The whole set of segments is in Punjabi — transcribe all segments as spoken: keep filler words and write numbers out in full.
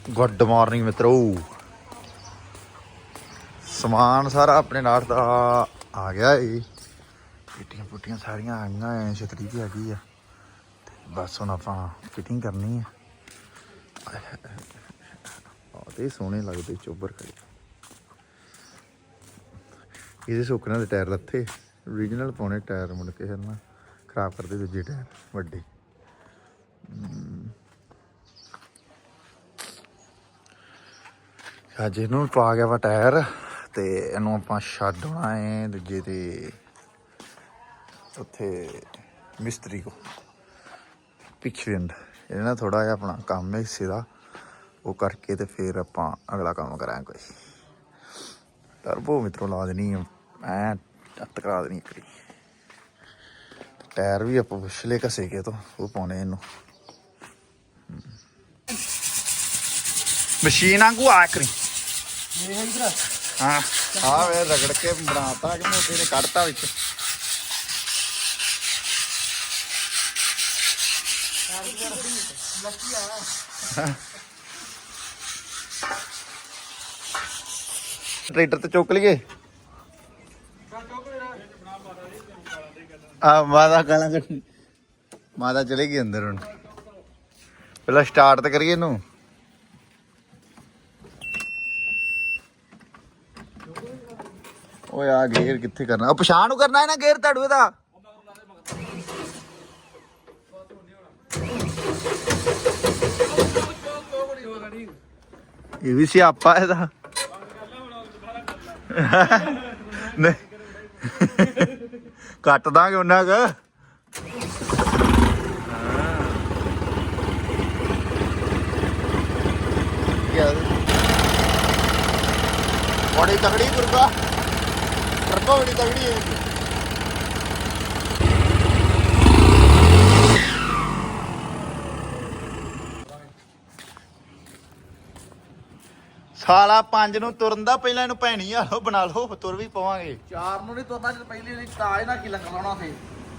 गुड मॉर्निंग मित्रों। समान सारा अपने नाल दा आ गया है। पेटियां पुटियां सारियां आ गई, छतरी भी आ गई है। बस हुण आपां फिटिंग करनी है। ते सोहने लगदे चोबर खड़े। ਇਹਦੇ ਸੁੱਕਣੇ ਦੇ ਟਾਇਰ ਲੱਥੇ ਓਰੀਜਨਲ ਪਾਉਣੇ ਟਾਇਰ, ਮੁੜ ਕੇ ਨਾ ਖਰਾਬ ਕਰਦੇ ਦੂਜੇ ਟਾਇਰ ਵੱਡੇ। ਅੱਜ ਇਹਨੂੰ ਪਾ ਗਿਆ ਵਾ ਟਾਇਰ ਤੇ ਇਹਨੂੰ ਆਪਾਂ ਛੱਡ ਆਉਣਾ ਹੈ ਦੂਜੇ ਤੇ ਉੱਥੇ ਮਿਸਤਰੀ ਕੋ ਪਿਛਵਿੰਡ। ਇਹਦੇ ਨਾਲ ਥੋੜਾ ਜਿਹਾ ਆਪਣਾ ਕੰਮ ਹੈ ਹਿੱਸੇ ਦਾ, ਉਹ ਕਰਕੇ ਤੇ ਫਿਰ ਆਪਾਂ ਅਗਲਾ ਕੰਮ ਕਰਾਂਗੇ। ਕੋਈ ਟਰਬੋ ਮਿੱਤਰੋਂ ਲਾ ਦੇਣੀ ਐ ਟੱਤ ਕਰਾ ਦੇਣੀ ਕਰੀ। ਟਾਇਰ ਵੀ ਆਪਾਂ ਪਿਛਲੇ ਘਸੇ ਕੇ ਤੋਂ ਉਹ ਪਾਉਣੇ ਇਹਨੂੰ। ਮਸ਼ੀਨ ਵਾਂਗੂ ਆ ਕਰੀ। ਹਾਂ ਆ ਵੇ ਰਗੜ ਕੇ ਬਣਾਤਾ ਕਿ ਮੋਟੇ ਨੇ ਕੱਢਤਾ ਵਿੱਚ। ट्रैक्टर तो चुक लिए माता गाला माता चलेगी अंदर हूँ। पहला स्टार्ट तो करिए इनू। ओ यार गेर कित्थे करना, पछाण करना है ना गेर ताड़ू दा। ये भी सियापा है दा। ਕੱਟ ਦਾਂਗੇ ਉਹਨਾਂ ਕ ਬੜੀ ਤਗੜੀ ਦੁਰਗਾ ਟਰਬੋ ਬੜੀ ਤਗੜੀ ਹੈ। ਸਾਲਾ ਪੰਜ ਨੂੰ ਤੁਰਨ ਦਾ ਪਹਿਲਾਂ ਇਹਨੂੰ ਭੈਣੀ ਆ ਲੋ ਬਣਾ ਲਓ, ਤੁਰ ਵੀ ਪਵਾਂਗੇ। ਚਾਰ ਨੂੰ ਨਹੀਂ ਤੁਰਨਾ, ਜਦ ਪਹਿਲੀ ਵਾਰੀ ਤਾਜ ਨਾਲ ਕੀ ਲੰਗ ਲਾਉਣਾ ਫੇ।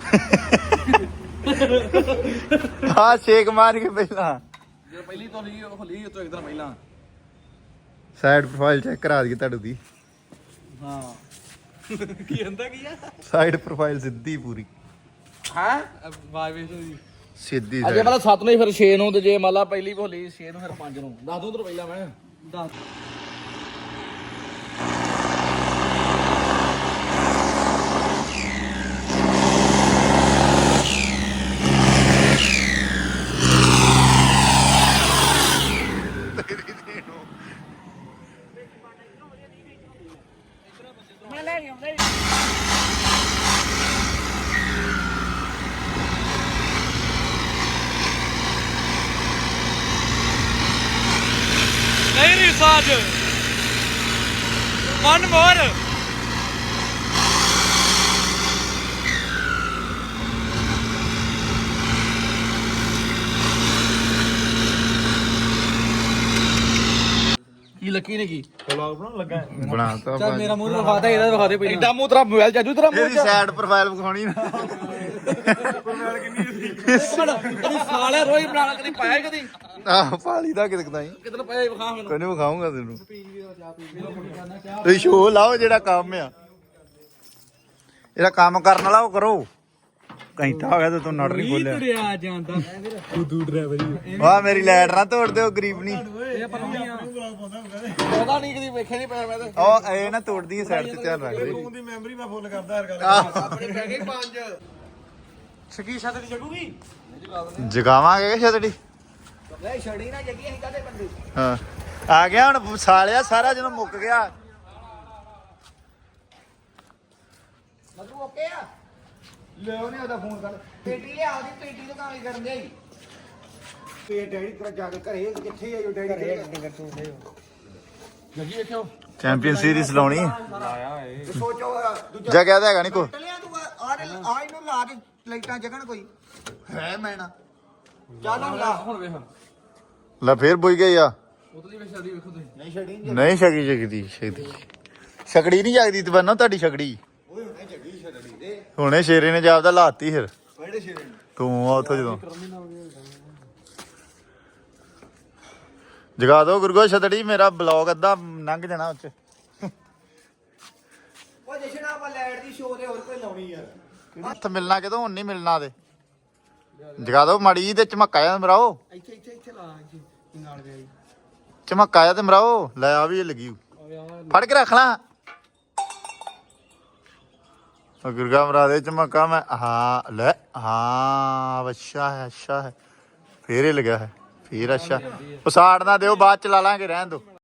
ਹਾਂ ਛੇਕ ਮਾਰ ਕੇ ਪਹਿਲਾਂ ਜੇ ਪਹਿਲੀ ਤੋਂ ਲਈ ਉਹ ਲਈ ਤੋਂ ਇੱਕ ਦਿਨ ਪਹਿਲਾਂ ਸਾਈਡ ਪ੍ਰੋਫਾਈਲ ਚੈੱਕ ਕਰਾ ਦਈਏ ਤੁਹਾਡੀ ਦੀ। ਹਾਂ ਕੀ ਹੁੰਦਾ ਕੀ ਆ ਸਾਈਡ ਪ੍ਰੋਫਾਈਲ ਸਿੱਧੀ ਪੂਰੀ। ਹਾਂ ਆਵਾਜ਼ ਵੇਖ ਦੀ ਸਿੱਧੀ ਅਜੇ ਮਤਲਬ ਸੱਤ ਨੂੰ ਫਿਰ ਛੇ ਨੂੰ, ਤੇ ਜੇ ਮੰਨ ਲਾ ਪਹਿਲੀ ਭੋਲੀ ਛੇ ਨੂੰ ਫਿਰ ਪੰਜ ਨੂੰ। ਦੱਸ ਦੋ ਉਧਰ ਪਹਿਲਾਂ ਮੈਂ ਦੱਸ ਮੈਂ ਲੈ ਆਉਂਦਾ ਨਹੀਂ ਨਹੀਂ ਸਾਜ ਵਨ ਮੋਰ ਕੀ ਲੱਕੀ ਨੇ ਕੀ ਵਲੌਗ ਬਣਾਉਣ ਲੱਗਾ ਬਣਾਤਾ। ਚੱਲ ਮੇਰਾ ਮੂੰਹ ਵਿਖਾਤਾ, ਇਹਦਾ ਵਿਖਾ ਦੇ ਪਹਿਲਾਂ। ਇੱਡਾ ਮੂੰਹ ਤੇਰਾ ਮੋਬਾਈਲ ਚਾਜੂ ਤੇਰਾ ਮੂੰਹ ਇਹਦੀ ਸਾਈਡ ਪ੍ਰੋਫਾਈਲ ਵਿਖਾਉਣੀ ਨਾ। ਪ੍ਰੋਫਾਈਲ ਕਿੰਨੀ ਕਦੀ ਸਾਲਿਆ ਰੋਈ ਬਣਾ ਲਾ, ਕਦੀ ਪਾਇਆ ਕਦੀ ਆਹ ਪਾਲੀ ਦਾ ਕਿਦਕ ਤਾਈ ਕਿਤਨਾ ਪਾਇਆ ਵਿਖਾ ਮੈਨੂੰ। ਕੋਈ ਨਹੀਂ ਵਿਖਾਉਂਗਾ ਤੈਨੂੰ। ਤੁਸੀਂ ਸ਼ੋਅ ਲਾਓ ਜਿਹੜਾ ਕੰਮ ਆ, ਇਹਦਾ ਕੰਮ ਕਰਨ ਵਾਲਾ ਉਹ ਕਰੋ। ਘੰਟਾ ਹੋ ਗਿਆ ਤੇ ਤੂੰ ਨਟ ਨਹੀਂ ਖੋਲਿਆ। ਤੁਰਿਆ ਜਾਂਦਾ ਤੂੰ ਦੂ ਡਰਾਈਵਰ ਵਾਹ ਮੇਰੀ ਲਾਈਟ ਨਾ ਤੋੜ ਦਿਓ ਗਰੀਬ ਨਹੀਂ। ਇਹ ਪਰੌਣੀਆਂ ਪਤਾ ਨਹੀਂ ਕਦੀ ਵੇਖਿਆ ਨਹੀਂ ਪਿਆ ਮੈਂ ਤੇ। ਉਹ ਇਹ ਨਾ ਤੋੜਦੀ ਹੈ, ਸਾਈਡ ਤੇ ਧਿਆਨ ਰੱਖ ਦੇ। ਫੋਨ ਦੀ ਮੈਮਰੀ ਮੈਂ ਫੁੱਲ ਕਰਦਾ ਹਰ ਗੱਲ। ਆਪਣੇ ਪੈ ਗਏ ਪੰਜ ਸਕੀ ਛੱਤ ਦੀ ਜਗੂਗੀ ਜਗਾਵਾਂਗੇ ਛਤੜੀ। ਲੈ ਛੜੀ ਨਾ ਜਗੀ ਅਸੀਂ ਕਾਦੇ ਬੰਦੇ। ਹਾਂ ਆ ਗਿਆ ਹੁਣ ਸਾਲਿਆ ਸਾਰਾ ਜਦੋਂ ਮੁੱਕ ਗਿਆ। ਮਤਲਬ ਓਕੇ ਆ ਲੈ ਉਹਨੇ ਉਹਦਾ ਫੋਨ ਕਰ ਪੇਟੀ ਲਿਆ ਉਹਦੀ ਪੇਟੀ ਤੋਂ ਕਾਲੀ ਕਰਨ ਦੇ ਤੇ ਡੈਡੀ ਤੇਰਾ ਜਾ ਕੇ ਘਰੇ ਕਿੱਥੇ ਆਇਓ ਡੈਡੀ ਘਰੇ ਡੰਗਰ ਤੋਂ ਲੈ ਜਗੀ ਵੇਖਿਓ ਚੈਂਪੀਅਨ ਸੀਰੀਜ਼ ਲਾਉਣੀ ਲਾਇਆ ਏ ਸੋਚੋ ਦੂਜਾ ਜਗ੍ਹਾ ਤਾਂ ਹੈਗਾ ਨਹੀਂ ਕੋ। ਲਿਆ ਤੂੰ ਆ ਆ ਇਹਨੂੰ ਲਾ ਕੇ ਲਾਈਟਾਂ ਜਗਣ ਕੋਈ ਹੈ ਮੈਨਾ ਚੱਲ ਹੁਣ ਲਾ ਹੁਣ ਵੇਖ ਲੈ ਫੇਰ ਬੁਝ ਗਈ ਆ। ਉਤਲੀ ਵੇ ਛੜੀ ਵੇਖੋ ਤੁਸੀਂ ਨਹੀਂ ਛੜੀ ਨਹੀਂ ਛਕੀ ਜਗਦੀ ਛਕਦੀ ਛਕੜੀ ਨਹੀਂ ਜਗਦੀ ਤੇ ਬੰਨੋ ਤੁਹਾਡੀ ਛਕੜੀ। ਓਏ ਹੁਣੇ ਜਗੀ ਛੜੀ ਦੇ ਹੁਣੇ ਸ਼ੇਰੇ ਨੇ ਜਾਪਦਾ ਲਾਤੀ ਫਿਰ। ਕਿਹੜੇ ਸ਼ੇਰੇ ਨੇ ਤੂੰ ਆ ਉੱਥੋਂ ਜਦੋਂ ਜਗਾ ਦੋ ਗੁਰਗੋ ਛਤੜੀ ਮੇਰਾ ਬਲੌਗ ਅੱਧਾ ਲੰਘ ਜਾਣਾ ਉੱਚ ਉਹ ਜਸ਼ਨ ਆਪਾਂ ਲਾਈਟ ਦੀ ਸ਼ੋਅ ਤੇ ਹੋਰ ਕੋਈ ਲਾਉਣੀ ਯਾਰ ਹੱਥ ਮਿਲਣਾ ਕਿਦੋਂ ਹੁਣ ਨਹੀਂ ਮਿਲਣਾ ਤੇ ਜਗਾ ਦੋ ਮਾੜੀ ਜੀ ਤੇ ਝਮੱਕਾ ਜਾ ਮਰਾਓ ਇੱਥੇ ਇੱਥੇ ਇੱਥੇ ਲਾ ਇੱਥੇ ਨਾਲ ਗਿਆ ਜੀ ਝਮੱਕਾ ਜਾ ਤੇ ਮਰਾਓ ਲੈ ਆ ਵੀ ਇਹ ਲੱਗੀ ਫੜ ਕੇ ਰੱਖ ਲਾ ਉਹ ਗੁਰਗਾ ਮਰਾ ਦੇ ਝਮੱਕਾ ਮੈਂ ਹਾਂ ਲੈ ਹਾਂ ਅੱਛਾ ਹੈ ਅੱਛਾ ਹੈ ਫੇਰ ਇਹ ਲੱਗਾ ਹੈ ਫੇਰ ਅੱਛਾ ਉਹ ਸਾੜ ਨਾ ਦਿਓ ਬਾਅਦ ਚ ਲਾ ਲਾਂਗੇ ਰਹਿਣ ਦੋ